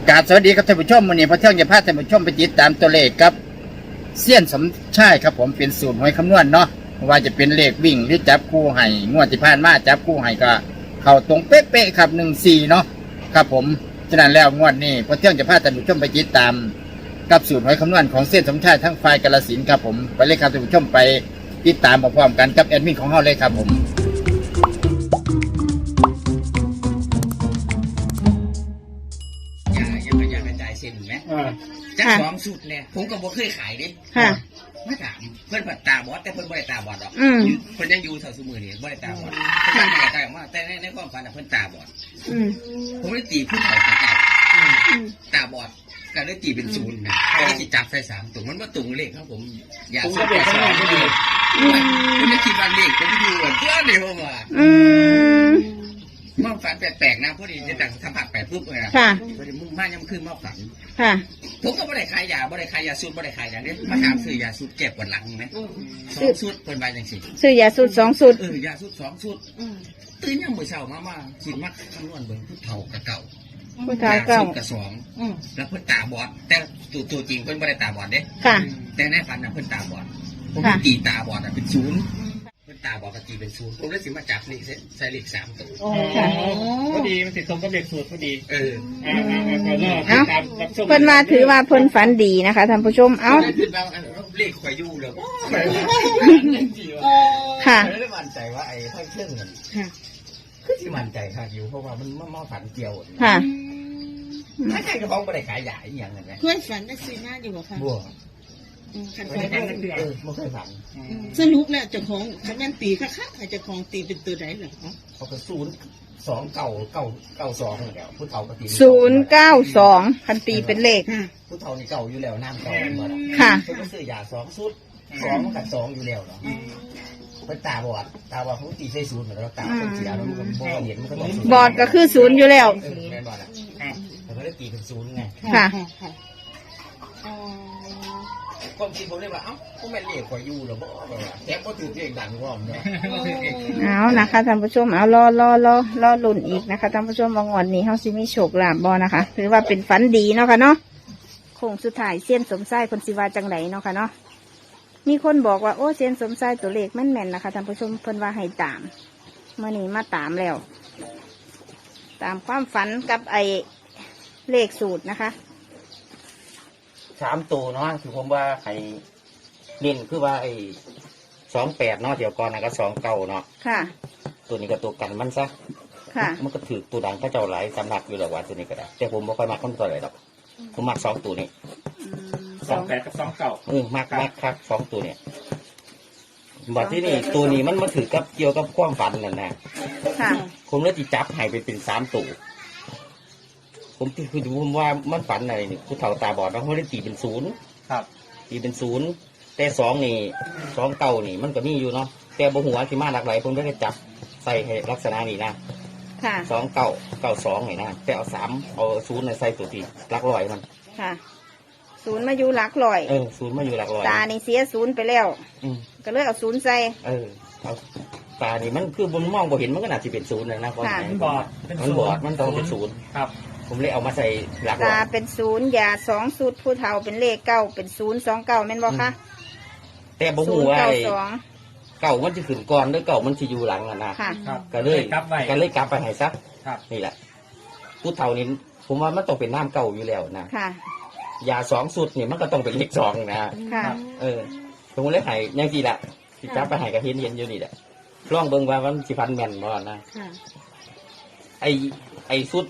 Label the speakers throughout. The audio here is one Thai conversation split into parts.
Speaker 1: กราบสวัสดีครับท่านผู้ชมวันนี้พระเที่ยงจะพาท่านผู้ชมไปติดตามตัวเลขครับเสี้ยนสมชายครับผมเป็นสูตรหวยคำนวณเนาะว่าจะเป็นเลขวิ่งหรือจับคู่ให้งวดที่ผ่านมาจับคู่ให้ก็เข้าตรงเป๊ะๆครับ14เนาะครับผมฉะนั้นแล้วงวดนี้พระเที่ยงจะพาท่านผู้ชมไปติดตามกับสูตรหวยคำนวณของเสี้ยนสมชายทั้งฝ่ายกาฬสินธุ์ครับผมไปเลยครับท่านผู้ชมไปติดตามพร้อมๆกันกับแอดมินของเราเลยครับผม
Speaker 2: อย่ากระจายเส้นไหมจากสองสุดเนี่ยผมก็บ่เคยขายดิไม่ถามเพื่อนผัดตาบอดแต่เพื่อนบ่ได้ตาบอดหรอกเพื่อนยังอยู่แถวสมือนี่บ่ได้ตาบอดเพื่อนบ่ได้ตาออกมาแต่ในความฝันเพื่อนตาบอดผมได้ตีผู้เฒ่าตาบอดก็ได้ตีเป็นศูนย์นะได้ตีจับใส่3ตัวมันว่าตุงเลขครับผมอยากสุดสองก็ดีผมได้คิดว่าเลขผมอยู่เพื่อนเดียวมาเมื่อฝันแปลกๆนะพอดีจะแต่งทำผักแปลกปุ๊บเลยนะพอดีมุ่งมั่นยังขึ้นมาฝันผมก็ไม่ได้ขายยาไม่ได้ขายยาสูตรไม่ได้ขายอย่างนี้มาถามซื้อยาสูตรเก็บวันหลังไหม2 สูตรเป็นใบอย่างสิ
Speaker 3: ซื้อยาสูตร2 สูตร
Speaker 2: ยาสูตร2 สูตรตื่นยังมือเช้ามาคิดมักคำนวณเบิ่งผู้เฒ่ากับเก่า
Speaker 3: ผู้เฒ่าเก่า
Speaker 2: กับ2แล้วเพิ่นตาบอดแต่ตัวจริงเพิ่นไม่ได้ตาบอดเด้แต่ในฝันน่ะเพิ่นตาบอดผมตีตาบอดเป็น0เพิ่นตาบอดกับตีเป็น0ผมเลยสิมาจับเลขใส่เลข3ตัว
Speaker 4: พอดีมันติดตรงกับเลขสูตรพอดี
Speaker 3: เพิ่นมาถือว่าเพิ่นฝันดีนะคะท่านผู้ชม
Speaker 2: เลขข่อยอยู่เลย
Speaker 3: ค่ะ
Speaker 2: ไม่ได้มั่นใจว่าไอ้ทั้งเครื่องเงินคือที่มั่นใจค่ะอยู่เพราะว่ามันมาฝันเกี่ยว
Speaker 3: ค่ะ
Speaker 2: ถ้าใครกระเพาะไม่ได้ขายใหญ่อย่างนั้นไง
Speaker 5: เพื่อนฝันได้ซื้อหน้าอยู่บ่คะ
Speaker 2: บัว
Speaker 4: ไม่ได้ฝัน
Speaker 2: ไม่เคยฝัน
Speaker 5: สรุปแล้วเจ้าของคะแนนตีค่ะเจ้าของตีเป็นตัวไหนเหรอคะ
Speaker 2: เขาก็02992เหมือนกันผู้เฒ่าก็ตี
Speaker 3: 092คันตีเป็นเลข
Speaker 2: ผู้เฒ่านี่เก่าอยู่แล้วน้ำเก่าหมด
Speaker 3: ค่ะ
Speaker 2: เขาก็ซื้อยา2 ชุด2กับ2อยู่แล้วเนาะเป็นตาบอดเขาตีใส่0เหมือนกันตาเป็นเสียแล้วมันก็บ่เห็นมันก็ต้อง
Speaker 3: บอดก็คือ0อยู่แล้ว
Speaker 2: แม่บอดอ่ะแต่ก็ได้ตีเป็น0ไง
Speaker 3: ค่ะ
Speaker 2: ความคิดผมเลยว่าก็แม่เรียกข่อยอยู่หรอบ่แจ็คก็ถือเรียกดังว่อมเนาะ
Speaker 3: เอานะคะท่านผู้ชมเอารอลุ้นอีกนะคะท่านผู้ชมว่างวดนี้เฮาสิมีโชคลาภบ่นะคะถือว่าเป็นฝันดีเนาะค่ะเนาะโค้งสุดท้ายเซียนสมไส้คนสิว่าจังไหนเนาะค่ะเนาะมีคนบอกว่าโอ้เซียนสมไส้ตัวเลขแม่นๆนะคะท่านผู้ชมเพิ่นว่าให้ตามเมื่อนี้มาตามแล้วตามความฝันกับไอเลขสูตรนะคะ
Speaker 2: 3 ตัวเนาะคือผมว่าให้เน้นคือว่าไอ้28เนาะเดี๋ยวก่อนนะก็29เนาะ
Speaker 3: ค่ะ
Speaker 2: ตัวนี้ก็ตัวกันมันซะ
Speaker 3: ค่ะ
Speaker 2: มันก็ถือตัวดังพระเจ้าหลายสำนักอยู่แล้วว่าตัวนี้ก็ได้แต่ผมบ่ค่อยมักคนตัวไหนหรอกผมมัก2 ตัวนี้
Speaker 4: 28กับ29
Speaker 2: มักครับ2 ตัวเนี่ยบัดที่นี่ตัวนี้มันมาถือกับเกี่ยวกับความฝันนั่นนะ
Speaker 3: ค่ะ
Speaker 2: ผมเลยจิจับให้เป็น3 ตัวผมว่ามันฝันอะไรนี่ผู้เฒ่าตาบอดเขาได้ตีเป็น0
Speaker 4: ครับ
Speaker 2: ตีเป็น0แต่2นี่2 เก่านี่มันก็มีอยู่เนาะแต่บ่หัวที่มาหลากหลายผมได้จับใส่ให้ลักษณะนี้นะ
Speaker 3: ค่ะ
Speaker 2: 2 9 9 2นี่นะแต่เอา3เอา0ใส่ตัวที่หลักร้อยมัน
Speaker 3: ค่ะ0มาอยู่หลักร้อย
Speaker 2: 0มาอยู่หลักร้อย
Speaker 3: ตานี่เสีย0ไปแล้วก็เลยเอา0ใส่
Speaker 2: เอาตานี่มันคือบนมองบ่เห็นมันก็น่าจะเป็น0เลยนะเพราะ
Speaker 4: มันบอด
Speaker 2: มันต้องเป็น0
Speaker 4: ครับ
Speaker 2: ผมเลยเอามาใส่หลัก
Speaker 3: ตาเป็น0ยา2 สูตรผู้เฒ่าเป็นเลข9เป็น029แม่นบ่คะ
Speaker 2: แต่บ่ฮู้ว่าเก่ามันจะขึ้นก่อนหรือเก่ามันจะอยู่หลังอ่ะนะก็เลยกลับไปให้ซักนี่แหละผู้เฒ่านี่ผมว่ามันต้องเป็นน้ำเก่าอยู่แล้วนะยา2 สูตรนี่มันก็ต้องเป็นเลข2นะผมเลยให้ยังทีละที่จับไปให้กับเห็นอยู่นี่แหละลองเบิ่งว่ามันสิพันแม่นบ่นะไอ้สูตร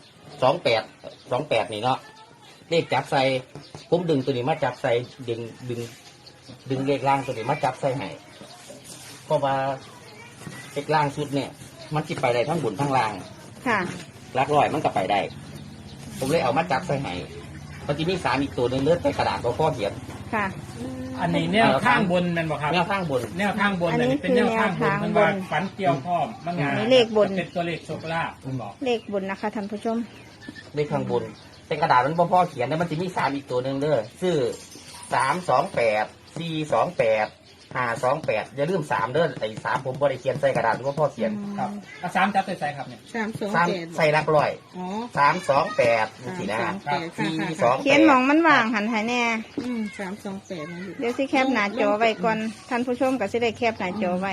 Speaker 2: 28นี่เนาะเลขจับใส่ผมดึงตัวนี้มาจับใส่ดึงเลขล่างตัวนี้มาจับใส่ให้เพราะว่าเลขล่างสุดเนี่ยมันจิไปได้ทั้งบนทั้งล่างหลักร้อยมันก็ไปได้ผมเลยเอามาจับใส่ให้พอที่นี่3อีกตัวนึงเลือดใส่กระดาษก็ข้อเขียน
Speaker 4: อันนี้แนวข้างบนมันบอกครับแนวข้างบนอันนี้เป็นแนวข้างบนมันว่าฝันเกี่ยวข้อมันงาน
Speaker 3: เลขบน
Speaker 4: เป็นตัวเลขโชคลาภคุณบอก
Speaker 3: เลขบนนะคะท่านผู้ชม
Speaker 2: เลขข้างบนเป็นกระดาษมันพ่อเขียนแล้วมันจะมี3อีกตัวนึงเด้อชื่อ328 428 528อย่าลืม3เด้อไอ้3ผมบ่ได้เขียนใส่กระดาษหรือว่าพ่อเขียน
Speaker 4: ครับสามจับใส่ครับเนี่ย
Speaker 2: 3ใส่หลักร้อย
Speaker 5: อ๋อ
Speaker 2: 328นี่สินะ
Speaker 5: 328
Speaker 3: เขียนหมองมันว่างหันให้แน่
Speaker 5: 328นะลูก
Speaker 3: เดี๋ยวสิแคปหน้าจอไว้ก่อนท่านผู้ชมก็สิได้แคปหน้าจอไว้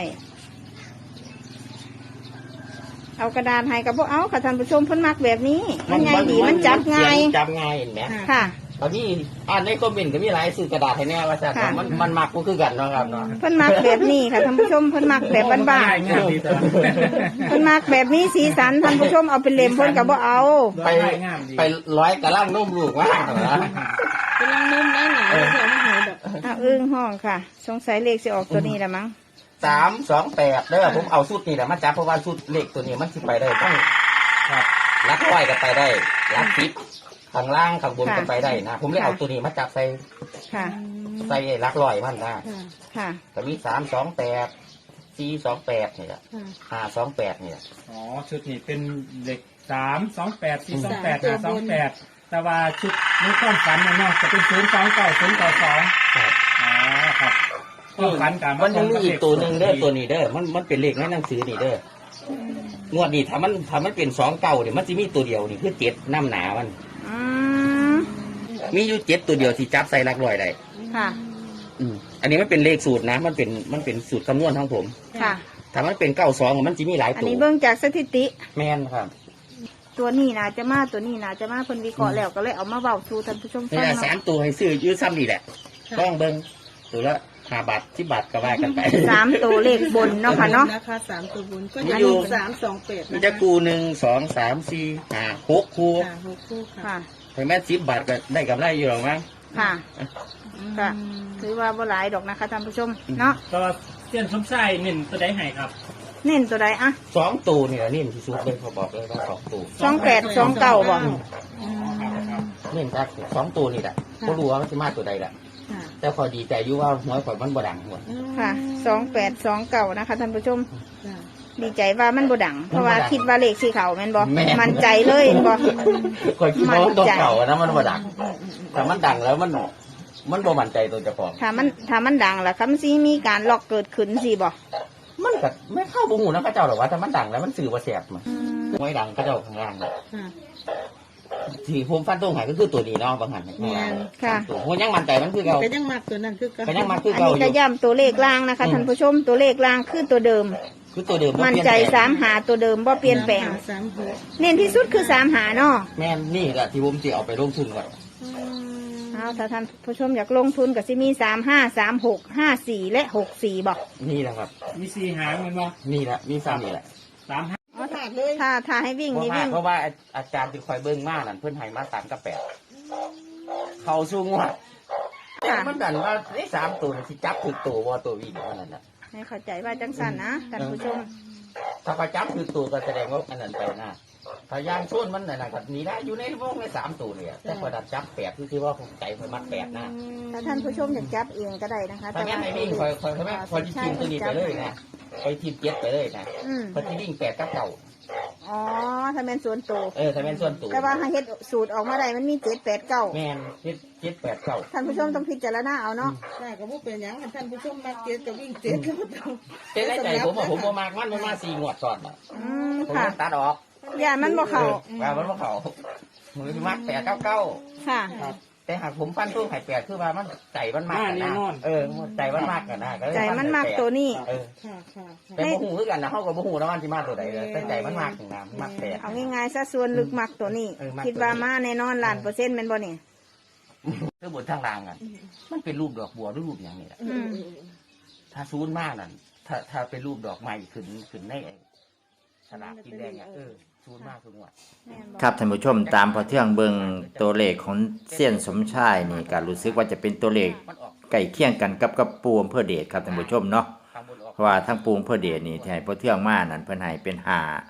Speaker 3: เอากระดานให้กับพวกเอาค่ะท่านผู้ชมเพิ่นมักแบบนี้มันง่ายดีมันจับง่าย
Speaker 2: จับง่ายเห็นไหม
Speaker 3: ค่ะ
Speaker 2: ตอนนี้ในคอมเมนต์ก็มีหลายซื้อกระดาษให้แน่ว่าจะ
Speaker 3: ค่ะ
Speaker 2: มันมักก็คือกันเนาะครับเนาะ
Speaker 3: เพิ่นมักแบบนี้ค่ะท่านผู้ชมเพิ่นมักแบบบ้าน
Speaker 4: ง่ายดีแต่
Speaker 3: ๆเพิ่นมักแบบนี้สีสันท่านผู้ชมเอาเป็นเล่มเพิ่นก็บ่เอา
Speaker 2: ไป
Speaker 4: ง่ายดี
Speaker 2: ไปร้อยกระล่างนุ่มลูกมากนะ
Speaker 5: กำลังนุ่มได้หนาเดี๋ยวไม่หายดอก
Speaker 3: เอาอึ้งห้องค่ะสงสัยเลขสิออกตัวนี้ละมั้ง
Speaker 2: 328เด้อผมเอาชุดนี่แหละมาจับเพราะว่าชุดเลขตัวนี้มันสิไปได้ต้อง
Speaker 4: ครับ
Speaker 2: รักร้อยก็ไปได้รัก10ข้างล่างข้างบนก็ไปได้นะผมเลยเอาตัวนี้มาจับใส่
Speaker 3: ค่ะ
Speaker 2: ใส่รักร้อยมันนะ
Speaker 3: ค่ะ
Speaker 2: ก็มี328 428นี่แหละ528นี่แหละ
Speaker 4: อ๋อชุดนี้เป็นเหล็ก328 428 528แต่ว่าชุดนี้ความฝันเนาะจะเป็น029 092
Speaker 2: ครับ
Speaker 4: อ๋อครับความฝันการ
Speaker 2: มันยังมีอีกตัวหนึ่งเด้อตัวนี้เด้อมันเป็นเลขในหนังสือนี่เด้องวดนี้ถ้ามันเป็น2 เก่าเนี่ยมันจะมีตัวเดียวนี่คือ7น้ำหนามัน
Speaker 3: อืม
Speaker 2: มีอยู่7ตัวเดียวที่จับใส่หลักร้อยได้
Speaker 3: ค่ะ
Speaker 2: อันนี้มันเป็นเลขสูตรนะมันเป็นสูตรคำนวณของผม
Speaker 3: ค่ะ
Speaker 2: ถ้ามันเป็น92มันจะมีหลาย
Speaker 3: อัน
Speaker 2: ตัว
Speaker 3: นี้เบิ่งจากสถิติ
Speaker 2: แม่นครับ
Speaker 3: ตัวนี้น่าจะมาตัวนี้น่าจะมาเพิ่นวิเคราะห์แล้วก็เลยเอามาเว้าสู่ท่านผู้ชม
Speaker 2: นี่
Speaker 3: ฟัง
Speaker 2: แหละ
Speaker 3: เนาะ
Speaker 2: 3ตัวให้ซื้อยืดซ้ำนี่แหละต้องเบิ่งตัวละ5 บาท10 บาทก็ว่ากันไป
Speaker 3: 3ตัวเลขบนเนาะค่ะเนาะ
Speaker 5: นะคะ3ตัวบนก็
Speaker 2: มี
Speaker 5: จะ
Speaker 2: อยู่
Speaker 5: มี328
Speaker 2: มันจะกู1 2 3 4 5 6คู่
Speaker 5: ค่ะ6คู่ค่ะ
Speaker 3: ค่ะ
Speaker 2: ถึงแม้10 บาทก็ได้กำไรอยู่หรอกมั้ง
Speaker 3: ค่ะ ค่ะถือว่าบ่หลายดอกนะคะท่านผู้ชมเนาะ
Speaker 4: ก็เส้นสมไส้เน้นตัวใดให้ครับ
Speaker 3: เน้นตัวใดอะ
Speaker 2: 2ตัวนี่แหละนี่ที่สุดเลยเขาบอกเลยว่า2ตัว
Speaker 3: 28 29บ่
Speaker 4: ครับ
Speaker 2: เล่นจาก2ตัวนี่แหละก็รู้ว่ามันจะมาตัวใดแหละ
Speaker 5: ค่ะ
Speaker 2: แต่พอดีใจอยู่ว่าน้อยกว่ามันบ่ดังหมด
Speaker 3: ค่ะ28 29นะคะท่านผู้ชม
Speaker 5: ค่ะ
Speaker 3: ดีใจว่ามันบ่ดัง เพราะว่า
Speaker 2: มันบ่ดัง
Speaker 3: คิดว่าเลขสีขาวแม่นบ่
Speaker 2: แม่น
Speaker 3: มั่นใจเลยแม่นบ่
Speaker 2: คอยคิดว่ามันตัว
Speaker 3: มั่นใจ
Speaker 2: เก่านะมันบ่ดังแต่มันดังแล้วมันบ่มั่นใจตัวเจ้าของ
Speaker 3: ถ้ามันดังล่ะคำสิมีการล็อกเกิดขึ้นสิบ่
Speaker 2: มันก็ไม่เข้าบ่หูนะพระเจ้าหรอกว่าแต่มันดังแล้วมันสื่อว่าแสบมันไม่ดังพระเจ้าข้างล่างน่ะ
Speaker 5: ค่ะ
Speaker 2: ที่ผมฟันตรงไหนก็คือตัวนี้เนาะบางหัน
Speaker 3: ค่ะ
Speaker 2: ตัวผมยังมั่นใจมันคือเก่า
Speaker 5: ก็ยังมากตัวนั้นคือ
Speaker 2: ก็ยังมาคือ
Speaker 3: อัน
Speaker 2: เก่า
Speaker 3: นี้
Speaker 2: อ
Speaker 3: ก็
Speaker 2: ยู่
Speaker 3: ย้ำตัวเลขล่างนะคะท่านผู้ชมตัวเลขล่างคือตัวเดิม
Speaker 2: คือตัวเดิมบ่
Speaker 3: มั่น
Speaker 2: เปลี่ย
Speaker 3: ใจ
Speaker 2: แปลง
Speaker 3: 3 หาตัวเดิมบ่เปลี่ยนแปลง
Speaker 5: 36
Speaker 3: เน้นที่สุดคือ3 หาเนาะ
Speaker 2: แม่นนี่แหละที่ผมจะเอาไปลงทุนก่อน
Speaker 3: เอาถ้าท่านผู้ชมอยากลงทุนก็สิมี35 36 54และ64บ่
Speaker 2: นี่แหละครับ
Speaker 4: มี4หางแมันบ่
Speaker 2: นี่แหละมีซ้ำนี่แหละ
Speaker 4: 3
Speaker 5: เอาถาดเลย
Speaker 3: ถ้าให้วิ่ง
Speaker 2: เพราะ
Speaker 3: นี่
Speaker 2: ว่า
Speaker 3: วิ่ง
Speaker 2: เพราะว่าอาจารย์ที่คอยเบิ้งมากนั่นเพื่อนให้มา3 กับ 8เขาสู้งวดแต่มันดันว่าได้3ตัวที่จับถูกตัวว่าตัววิ่งเท่านั้นนะ
Speaker 3: ให้เข้าใจว่าจังสันนะท่านผู้ชม
Speaker 2: ถ้าเขาจับถูกตัวก็แสดงว่าอันนั้นไปนะถ้ายางส่วนมันน่ะก็หนีได้อยู่ในวงใน3ตัวเนี่ยแต่พอดันจับ8คือว่าใจมันมัก8นะ
Speaker 3: ถ้าท่านผู้ชมอยากจับเองก็ได้นะคะ
Speaker 2: ถ้างั้นให้วิ่งคอยที่ทีมตัวนี้ไปเลยนะไปทีม7ไปเลยนะ
Speaker 3: อืม
Speaker 2: พอที่วิ่ง8กับเก่า
Speaker 3: อ๋อถ้าเป็นส่วนตัว
Speaker 2: ถ้าเป็นส่วนตัว
Speaker 3: แต่ว่าให้เฮ็ดสูตรออกมาได้มันมี7 8 9
Speaker 2: แม่น7 8 9
Speaker 3: ท่านผู้ชมต้องพิจารณาเอาเนาะ
Speaker 5: ใช่ก็บ่เป็นหยังท่านผู้ชมมาเก็ตก็วิ่งเจ็ดก็บ่ต้อง
Speaker 2: แต่ในใจผมบ่มากมันมา4 งวดก่อน
Speaker 3: อืม
Speaker 2: ผม
Speaker 3: ค่ะ
Speaker 2: ตัดออก
Speaker 3: อย่ามันบ่เข้า
Speaker 2: ว่ามันบ่เข้ามือมัก8 9 9
Speaker 3: ค่ะ
Speaker 2: แต่หากผมฟันตู้ไข่8คือว่ามันใจมันมากนะใจมันมากกันนะ
Speaker 3: ใจมันมากตัวนี้
Speaker 5: ค่ะค่ะค่ะ
Speaker 2: แต่บ่ฮู้คือกันนะเฮาก็บ่ฮู้นะมันสิมาตัวใดเลยแต่ใจมันมากถึงน้ำมักแปด
Speaker 3: เอาง่ายๆซะส่วนลึกมักตัวนี้
Speaker 2: มักตัวนี้
Speaker 3: คิดว่ามาแน่นอนล้านเปอร์เซ็นต์แม่นบ่นี่
Speaker 2: คือบนทางล่างอ่ะมันเป็นรูปดอกบัวหรือรูปอย่างนี้แหละ
Speaker 3: อืม
Speaker 2: ถ้าซูนมากนั่นถ้าเป็นรูปดอกไม้ขึ้นในสลากกินแดงอ่ะซูนมากทุกงวด
Speaker 3: แม่นบ่
Speaker 1: ครับท่านผู้ชมตามพอเที่ยงเบิงตัวเลขของเสี้ยนสมชายนี่ก็รู้สึกว่าจะเป็นตัวเลข
Speaker 2: มันออก
Speaker 1: ใกล้เคียงกันกับปูอำเภอเดชครับท่านผู้ชมเนาะ
Speaker 2: ข้างบนออก
Speaker 1: เพราะว่าทั้งปูอำเภอเดชนี่ที่ให้พอเที่ยงมานั่นเพิ่นให้เป็น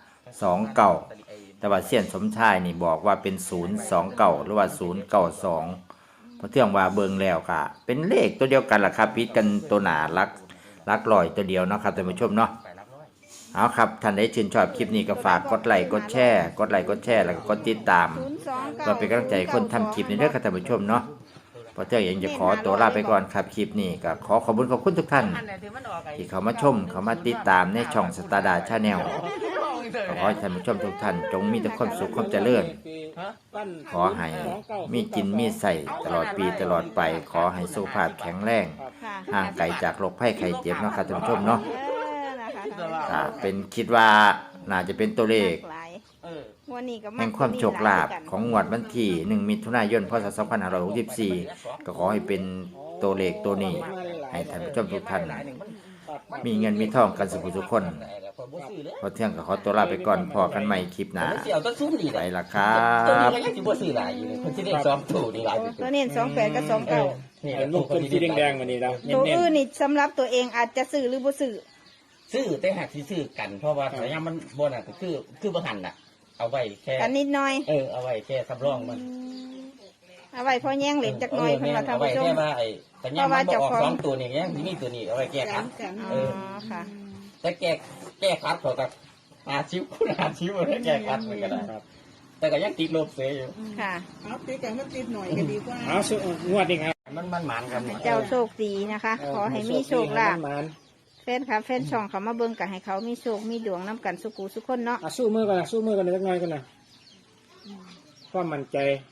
Speaker 1: 529แต่ว่าเสี้ยนสมชายนี่บอกว่าเป็น029หรือว่า092พอเที่ยงว่าเบิงแล้วค่ะเป็นเลขตัวเดียวกันล่ะครับผิดกันตัวหน้าลักลอยตัวเดียวเนาะครับท่านผู้ชมเนาะ
Speaker 2: ไปรับร้อย
Speaker 1: เอาครับท่านได้ชื่นชอบคลิปนี้ก็ฝากกดไลค์กดแชร์แล้วก็กดติดตาม
Speaker 3: 029
Speaker 1: เพื่อเป็นกำลังใจคนทำคลิปในเรื่องการท่านผู้ชมเนาะพอเที่ยงเองจะขอตัวลาไปก่อนครับคลิปนี้ก็ขอบคุณทุกท่านที่เขามาชมเขามาติดตามในช่องสตาร์ดาชาแนลขอให้ท่านผู้ชมทุกท่านจงมีแต่ความสุขความเจริญขอให้มีกินมีใส่ตลอดปีตลอดไปขอให้สุขภาพแข็งแรง
Speaker 3: ค่ะ
Speaker 1: ห่างไกลจากโรคภัยไข้เจ็บเนาะครับท่านผู้ชมเนาะ
Speaker 3: นะคะ
Speaker 1: เป็นคิดว่าน่าจะเป็นตัวเลข
Speaker 3: หลายวันนี้ก็
Speaker 1: แห่งความโชคลาภของงวดวันที่1 มิถุนายน พศ 2564 ก็ขอให้เป็นตัวเลขตัวนี้ ให้ท่านผู้ชมทุกท่าน มีเงินมีทองกันสุขทุกคน พอเที่ยงก็ขอตัวลาไปก่อนพอกันใหม่คลิปหน้า
Speaker 2: เสี่ยวต้นซุ้มดี
Speaker 1: ไป
Speaker 2: เลย
Speaker 1: ละครับ
Speaker 2: ตัวนี้ก็ยังสิบ่ซื้อหลายอยู่เลยคนที่เล่นซ้อมถูกนี่หลายอยู่
Speaker 3: ตัวเน้น28กับ29
Speaker 2: นี่
Speaker 4: ลูกคนสีแดงๆวันนี้เรา
Speaker 3: ตัว
Speaker 4: เน้น
Speaker 3: อื่นนี่สำหรับตัวเองอาจจะซื้อหรือบ่ซื้อ
Speaker 2: ซื้อแต่หากสิซื้อกันเพราะว่าแต่ยังมันบ่น่ะก็คือบ่หันน่ะ เอาไว้แค่
Speaker 3: กันนิดหน่อย
Speaker 2: เอาไว้แค่สำรองมัน
Speaker 3: เอาไว้พอแย่งเหรียญจักหน่อยเพิ่นว่าท่าน
Speaker 2: เอาไว้
Speaker 3: ผู้ชม
Speaker 2: แค่ว่าแต่ยังมันบ่ออกสองตัวนี่ยังมีตัวนี้เอาไว้แก้คัด
Speaker 3: อ๋อค่ะ
Speaker 2: แต่แก้คัดเขากับ50คูณ50บ่ได้แก้คัดมันก็ได้ครับ แต่ก็ยังติดลบเสียอยู่
Speaker 3: ค่ะ
Speaker 5: เอาตีกันมันติดหน่อยก็ดีกว่า
Speaker 4: เอางวดนี้ครับ
Speaker 2: มันหมานกัน
Speaker 3: เจ้าโชคดีนะคะ ขอให้มีโชคลาภ
Speaker 4: มัน
Speaker 3: แฟนค่ะแฟนช่องเขามาเบิ่งกันให้เขามีโชคมีดวงน้ำกันสุกูสุกคนเนาะ
Speaker 4: สู้มือกันนะสู้มือกันนะสักหน่อยกันนะความมั่นใจ